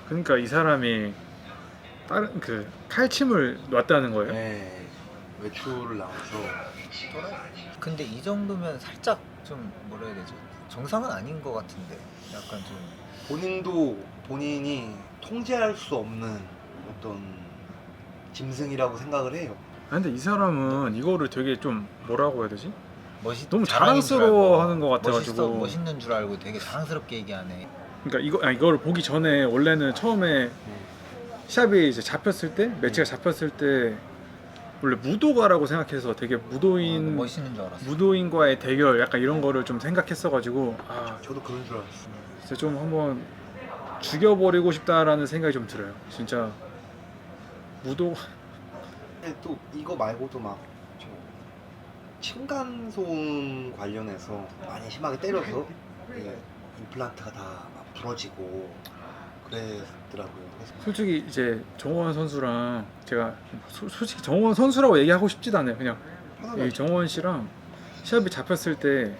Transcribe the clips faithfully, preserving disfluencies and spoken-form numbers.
그러니까 이 사람이 다른 그 칼침을 놨다는 거예요. 네, 외출을 나와서. 근데 이 정도면 살짝 좀 뭐라 해야 되지? 정상은 아닌 것 같은데 약간 좀 본인도 본인이 통제할 수 없는 어떤 짐승이라고 생각을 해요. 아, 근데 이 사람은 이거를 되게 좀 뭐라고 해야 되지? 멋있 너무 자랑인 줄 자랑스러워하는 알고, 것 같아가지고. 멋있어, 멋있는 줄 알고 되게 자랑스럽게 얘기하네. 그러니까 이거 아, 이거를 보기 전에 원래는 처음에 샵이 이제 잡혔을 때 매치가 잡혔을 때 원래 무도가라고 생각해서 되게 무도인 어, 멋있는 줄 알았어. 무도인과의 대결 약간 이런 거를 좀 생각했어가지고 아 저도 그런 줄 알았어요. 진짜 좀 한번 죽여버리고 싶다라는 생각이 좀 들어요. 진짜 무도 근데 또 이거 말고도 막저 층간소음 관련해서 많이 심하게 때려서 예, 임플란트가 다 막 부러지고 그랬더라고요. 그래서 솔직히 이제 정원 선수랑 제가 소- 솔직히 정원 선수라고 얘기하고 싶지도 않아요. 그냥 편하게 이 정원 씨랑 시합이 잡혔을 때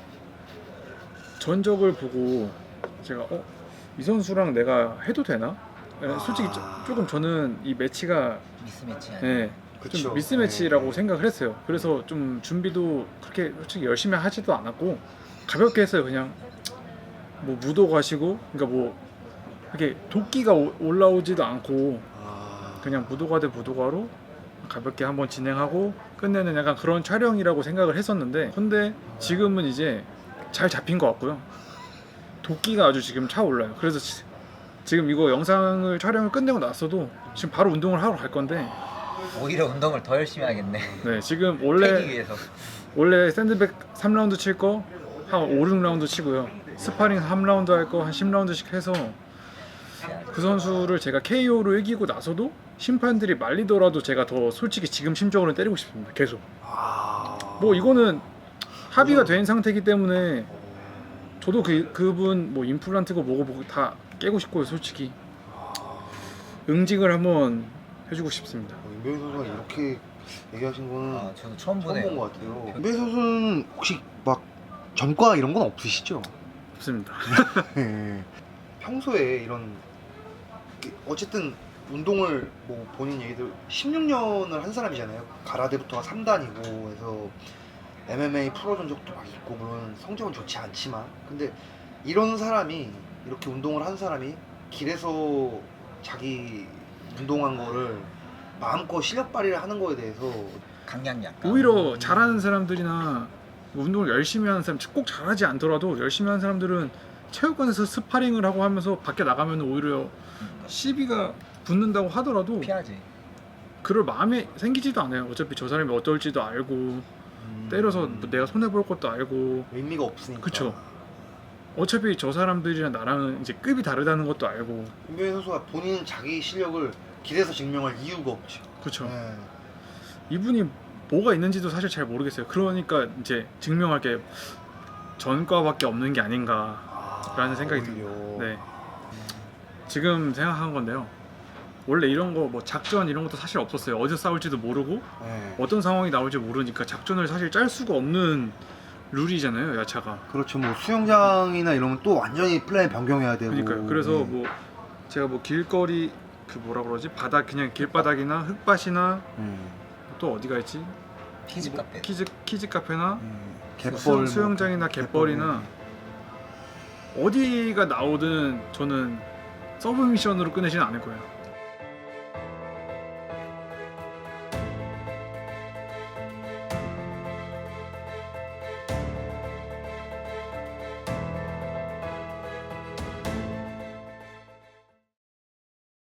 전적을 보고 제가 어? 이 선수랑 내가 해도 되나? 예, 솔직히 조- 아. 조금 저는 이 매치가 미스매치 아니야? 예, 그쵸. 좀 미스매치라고 네. 생각을 했어요. 그래서 좀 준비도 그렇게 솔직히 열심히 하지도 않았고 가볍게 했어요. 그냥 뭐 무도 가시고 그러니까 뭐 이렇게 도끼가 오- 올라오지도 않고 아, 그냥 무도가 대 무도가로 가볍게 한번 진행하고 끝내는 약간 그런 촬영이라고 생각을 했었는데 근데 지금은 이제 잘 잡힌 것 같고요. 도끼가 아주 지금 차올라요. 그래서 지- 지금 이거 영상을 촬영을 끝내고 났어도 지금 바로 운동을 하러 갈 건데 오히려 운동을 더 열심히 하겠네. 네 지금 패기 원래 위해서. 원래 샌드백 삼 라운드 칠 거 한 오, 육 라운드 치고요. 스파링 삼 라운드 할 거 한 십 라운드씩 해서 그 선수를 제가 케이오로 이기고 나서도 심판들이 말리더라도 제가 더 솔직히 지금 심적으로는 때리고 싶습니다. 계속. 아, 뭐 이거는 합의가 된 상태이기 때문에 저도 그 그분 뭐 임플란트고 뭐고 뭐고 다 깨고 싶고요. 솔직히 응징을 한번 해주고 싶습니다. 어, 임배우 선수가 이렇게 얘기하신 거는 아 저도 처음 처음 보네요. 본 것 같아요. 임배우 선수는 혹시 막 전과 이런 건 없으시죠? 없습니다. 네. 평소에 이런 어쨌든 운동을 뭐 본인 얘기들 십육 년을 한 사람이잖아요. 가라데부터가 삼 단이고 해서 엠엠에이 프로 전적도 막 있고 물론 성적은 좋지 않지만 근데 이런 사람이 이렇게 운동을 한 사람이 길에서 자기 운동한 거를 마음껏 실력 발휘를 하는 거에 대해서 강약 약간. 오히려 잘하는 사람들이나 운동을 열심히 하는 사람 꼭 잘하지 않더라도 열심히 하는 사람들은 체육관에서 스파링을 하고 하면서 밖에 나가면 오히려 시비가 붙는다고 하더라도 피하지. 그럴 마음이 생기지도 않아요. 어차피 저 사람이 어떨지도 알고 음, 때려서 뭐 내가 손해 볼 것도 알고 의미가 없으니까. 그쵸. 어차피 저 사람들이랑 나랑은 이제 급이 다르다는 것도 알고 임배우 선수가 본인 자기 실력을 길에서 증명할 이유가 없죠. 그쵸. 네. 이분이 뭐가 있는지도 사실 잘 모르겠어요. 그러니까 이제 증명할 게 전과밖에 없는 게 아닌가 아, 라는 생각이 오히려. 듭니다. 네. 지금 생각한 건데요. 원래 이런 거 뭐 작전 이런 것도 사실 없었어요. 어디서 싸울지도 모르고 네. 어떤 상황이 나올지 모르니까 작전을 사실 짤 수가 없는 룰이잖아요, 야차가. 그렇죠. 뭐 수영장이나 이러면 또 완전히 플랜 변경해야 되고. 그러니까요. 그래서 네. 뭐 제가 뭐 길거리 그 뭐라 그러지 바닥 그냥 길바닥이나 흙밭이나 음. 또 어디가 있지? 키즈 뭐 카페. 키즈 키즈 카페나 음. 수영, 갯벌 수영장이나 갯벌이나 어디가 나오든 저는 서브 미션으로 끝내지는 않을 거예요.